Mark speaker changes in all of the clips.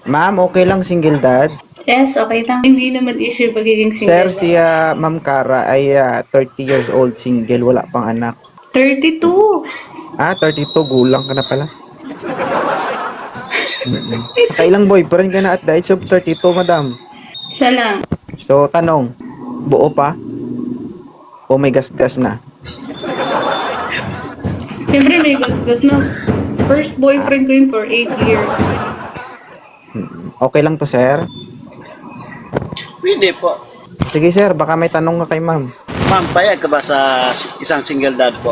Speaker 1: Ma'am, okay lang single dad?
Speaker 2: Yes, okay lang. Hindi naman issue pagiging
Speaker 1: Sir,
Speaker 2: single.
Speaker 1: si Ma'am Cara ay 30 years old, single, wala pang anak.
Speaker 2: 32.
Speaker 1: 32, gulang ka na pala. Nakailang boyfriend ka na at the age of 32, madam?
Speaker 2: Isa lang.
Speaker 1: So, tanong, buo pa? O may gasgas na?
Speaker 2: Siyempre may gasgas na. First boyfriend ko yun for 8 years.
Speaker 1: Okay lang to, sir?
Speaker 3: Pwede po.
Speaker 1: Sige, sir, baka may tanong ka kay ma'am.
Speaker 3: Ma'am, payag ka ba sa isang single dad po?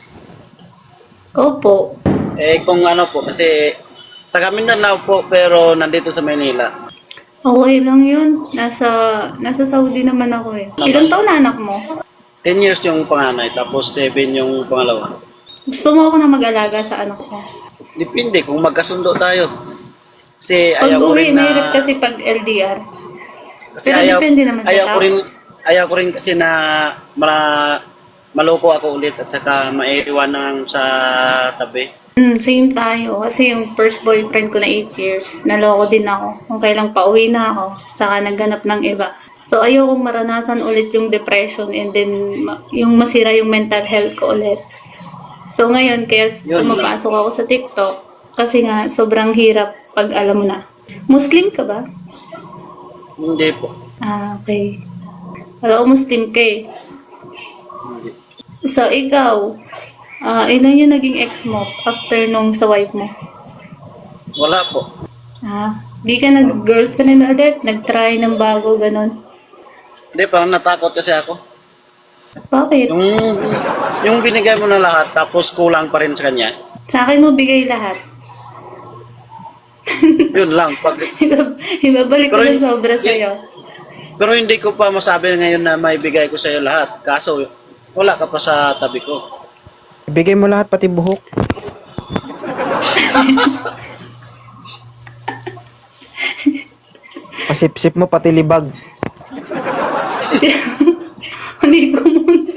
Speaker 2: Opo.
Speaker 3: Kung ano po, kasi taga Mindanao po pero nandito sa Manila.
Speaker 2: Okay lang yun. Nasa Saudi naman ako eh. Ilang taon na anak mo?
Speaker 3: 10 years yung panganay, tapos 7 yung pangalawa.
Speaker 2: Gusto mo ako na mag-alaga sa anak ko.
Speaker 3: Depende kung magkasundo tayo. Kasi
Speaker 2: Pag
Speaker 3: ayaw ko
Speaker 2: uwi,
Speaker 3: rin na...
Speaker 2: mahirap kasi pag LDR.
Speaker 3: Kasi
Speaker 2: Pero depende naman sa tao.
Speaker 3: Ayaw ko rin kasi na maloko ako ulit at saka maiiwan ng sa tabi.
Speaker 2: Same tayo. Kasi yung first boyfriend ko na 8 years, naloko din ako. Kung kailang pauwi na ako, saka nagganap ng iba. So, ayokong maranasan ulit yung depression and then yung masira yung mental health ko ulit. So, ngayon, kaya sumapasok ako sa TikTok kasi nga sobrang hirap pag alam mo na. Muslim ka ba?
Speaker 3: Hindi po.
Speaker 2: Okay. Alam ko Muslim ka eh. So, ikaw, ilan yung naging ex mo after nung sa wife mo?
Speaker 3: Wala po.
Speaker 2: Di ka nag-girlfriend ulit? Nag-try ng bago, ganun?
Speaker 3: Hindi, parang natakot kasi ako.
Speaker 2: Bakit?
Speaker 3: Yung binigay mo na lahat tapos kulang pa rin sa kanya.
Speaker 2: Sa akin mo bigay lahat.
Speaker 3: Yun lang.
Speaker 2: Ibabalik ko
Speaker 3: Pero
Speaker 2: ng sobra sa'yo.
Speaker 3: Pero hindi ko pa masabi ngayon na may bigay ko sa iyo lahat. Kaso wala ka pa sa tabi ko.
Speaker 1: Ibigay mo lahat, pati buhok. Pasip-sip mo, pati libag.
Speaker 2: Hindi ko muna.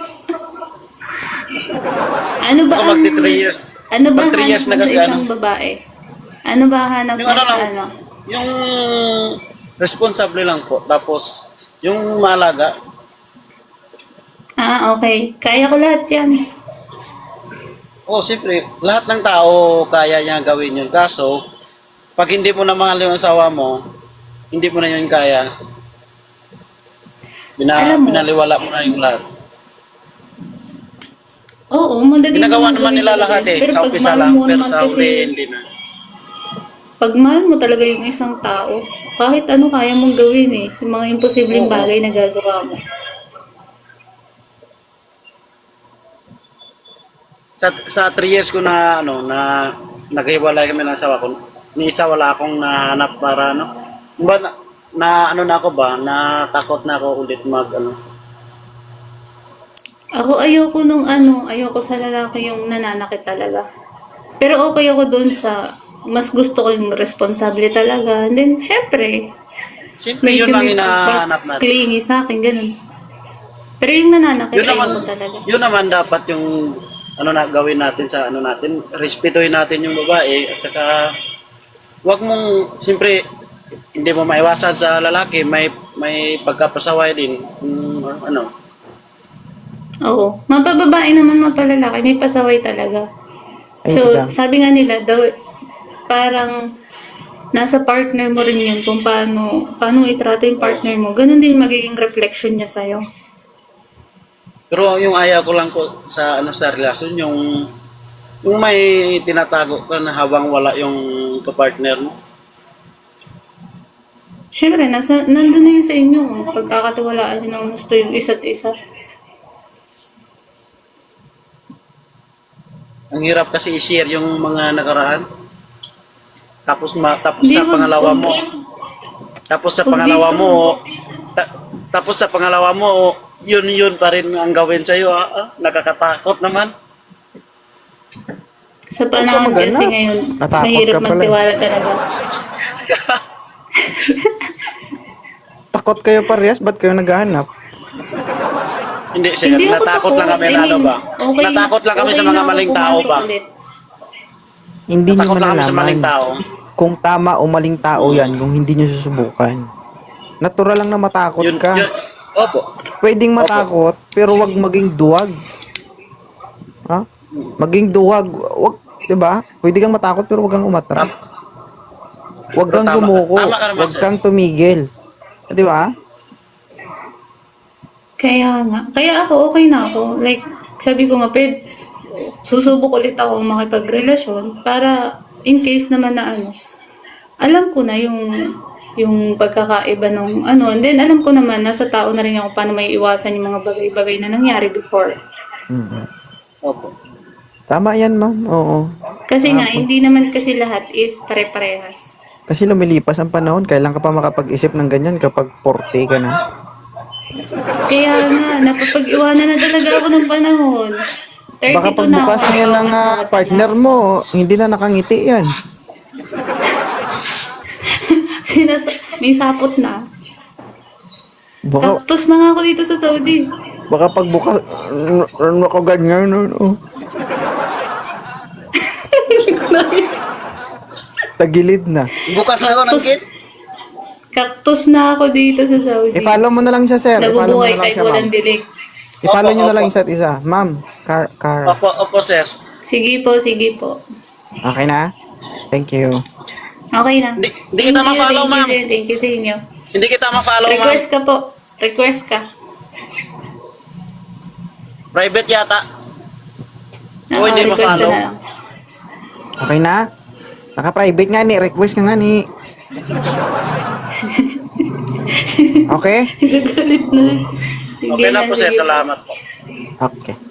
Speaker 2: Ano ba
Speaker 3: Ako
Speaker 2: ang...
Speaker 3: magti 3 years.
Speaker 2: Ano ba
Speaker 3: Mag 3 years
Speaker 2: hanap
Speaker 3: na
Speaker 2: mo sa
Speaker 3: kasi
Speaker 2: isang babae? Ano ba hanap
Speaker 3: Yung
Speaker 2: mo
Speaker 3: ano
Speaker 2: sa
Speaker 3: lang,
Speaker 2: ano?
Speaker 3: yung responsable lang po. Tapos yung maalaga.
Speaker 2: Okay. Kaya ko lahat yan.
Speaker 3: Siyempre, lahat ng tao kaya niya gawin yun. Kaso, pag hindi mo na mahal yung asawa mo, hindi mo na yun kaya.
Speaker 2: Alam mo,
Speaker 3: Binaliwala mo na yung lahat.
Speaker 2: Oo, madali
Speaker 3: Ginagawa
Speaker 2: naman
Speaker 3: naman
Speaker 2: gawin
Speaker 3: nila
Speaker 2: talaga
Speaker 3: lahat
Speaker 2: yun.
Speaker 3: eh.
Speaker 2: Pero
Speaker 3: Sa
Speaker 2: pag
Speaker 3: umpisa
Speaker 2: mahal
Speaker 3: lang,
Speaker 2: mo
Speaker 3: pero
Speaker 2: naman
Speaker 3: sa
Speaker 2: kasi,
Speaker 3: uli hindi na.
Speaker 2: pag mahal mo talaga yung isang tao, kahit ano kaya mong gawin eh. Yung mga imposibleng
Speaker 3: Oo.
Speaker 2: bagay na gagawa mo.
Speaker 3: Sa 3 years ko na naghiwalay kami ng asawa ko, ni isa wala akong nahanap para ba na ako ba, natakot na ako ulit
Speaker 2: Ako ayoko sa lalaki yung nananakit talaga. Pero okay ako dun sa, mas gusto ko yung responsable talaga. And then, syempre,
Speaker 3: Siyempre yun lang hinahanap natin.
Speaker 2: clingy sa akin, ganun. Pero yung nananakit,
Speaker 3: Yun naman,
Speaker 2: ayoko talaga.
Speaker 3: yun naman dapat yung na gawin natin sa natin, respetuhin natin yung babae at saka wag mong siyempre hindi mo maiwasan sa lalaki, may pagkapasaway din.
Speaker 2: Oo. Mapababae naman, mapalalaki, may pasaway talaga.
Speaker 1: Ay,
Speaker 2: So,
Speaker 1: teka.
Speaker 2: sabi nga nila, daw, parang nasa partner mo rin yun kung paano itrato yung partner mo. Ganun din magiging reflection niya sa'yo.
Speaker 3: Pero yung ayaw ko lang ko sa sa relasyon yung may tinatago ka na habang wala yung kapartner mo.
Speaker 2: Siyempre, nandun na yun sa inyo. Pagkakatiwalaan nyo ng gusto yung isa't isa.
Speaker 3: Ang hirap kasi i-share yung mga nakaraan. Tapos
Speaker 2: Di,
Speaker 3: sa pangalawa
Speaker 2: wag-
Speaker 3: mo. Tapos sa
Speaker 2: wag
Speaker 3: pangalawa
Speaker 2: dito.
Speaker 3: mo, tapos sa pangalawa mo, yun pa rin ang gawin sa iyo. Nakakatakot naman.
Speaker 2: Sa panahon
Speaker 1: Huwag ka
Speaker 2: kasi
Speaker 1: maghanap.
Speaker 2: ngayon,
Speaker 1: Natakot
Speaker 2: mahirap
Speaker 1: ka pala.
Speaker 2: magtiwala talaga.
Speaker 1: Takot kayo parehas, ba't kayo naghahanap?
Speaker 3: Hindi, sir.
Speaker 2: Hindi ako
Speaker 3: Natakot lang kami
Speaker 2: I mean,
Speaker 3: ba?
Speaker 2: okay,
Speaker 3: Natakot lang kami
Speaker 2: okay
Speaker 3: sa mga
Speaker 2: na ako
Speaker 3: maling tao
Speaker 2: pumasok
Speaker 3: ba?
Speaker 2: ulit.
Speaker 1: Hindi nyo
Speaker 3: Natakot lang kami sa maling
Speaker 1: malalaman.
Speaker 3: tao.
Speaker 1: kung tama o maling tao yan kung hindi nyo susubukan. Natural lang na matakot ka.
Speaker 3: Opo.
Speaker 1: Pwedeng matakot, pero wag maging duwag. Ha? Maging duwag. Wag, 'di ba? Pwede kang matakot pero wag kang umatras. Wag kang
Speaker 3: Tama.
Speaker 1: sumuko.
Speaker 3: Tama ka naman,
Speaker 1: Wag
Speaker 3: sir.
Speaker 1: kang tumigil. 'Di ba?
Speaker 2: Kaya nga. Kaya ako, okay na ako. Like, sabi ko nga, susubok ulit ako makipagrelasyon para in case naman na ano, alam ko na yung pagkakaiba nung ano. And then, alam ko naman, nasa tao na rin ako paano may iwasan yung mga bagay-bagay na nangyari before.
Speaker 1: Mm.
Speaker 3: Opo.
Speaker 1: Tama 'yan, ma'am. Oo.
Speaker 2: Kasi nga, hindi naman kasi lahat is pare-parehas.
Speaker 1: Kasi lumilipas ang panahon, kailan ka pa makapag-isip ng ganyan kapag 40 ka na?
Speaker 2: Kaya nga, napapag-iwanan na talaga ako ng panahon. 32
Speaker 1: Baka
Speaker 2: na
Speaker 1: pagbukas
Speaker 2: ako.
Speaker 1: ngayon ng partner mo, hindi na nakangiti yan.
Speaker 2: May sapot na.
Speaker 1: Baka,
Speaker 2: Cactus na nga ako dito sa Saudi.
Speaker 1: baka pagbukas, ano ka ganyan, ano? Tagilid na.
Speaker 3: Bukas na ako ng
Speaker 2: Cactus.
Speaker 3: gate.
Speaker 2: Cactus na ako dito sa Saudi.
Speaker 1: I-follow mo na lang siya, sir. I-follow mo
Speaker 2: Nabubuhay
Speaker 1: na lang
Speaker 2: kahit
Speaker 1: siya,
Speaker 2: walang
Speaker 1: ma'am.
Speaker 2: dilig.
Speaker 1: I-follow
Speaker 3: Opo,
Speaker 1: nyo na lang
Speaker 3: opo.
Speaker 1: isa't isa. Ma'am, car.
Speaker 3: Opo, sir.
Speaker 2: Sige po, sige po.
Speaker 1: Okay na? Thank you.
Speaker 2: Okay na.
Speaker 3: Hindi kita ma-follow, ma'am.
Speaker 2: Thank you sa inyo.
Speaker 3: Hindi kita ma-follow, ma'am.
Speaker 2: Request ka po. Request ka.
Speaker 3: Private yata.
Speaker 2: Oo,
Speaker 3: hindi
Speaker 2: request ka
Speaker 3: ma-follow.
Speaker 2: na lang.
Speaker 1: Okay na? Naka-private nga ni. Request ka nga ni. Okay?
Speaker 2: Gagalit na. Sige
Speaker 3: Okay na po, sir.
Speaker 2: sige
Speaker 3: Salamat po.
Speaker 1: Okay.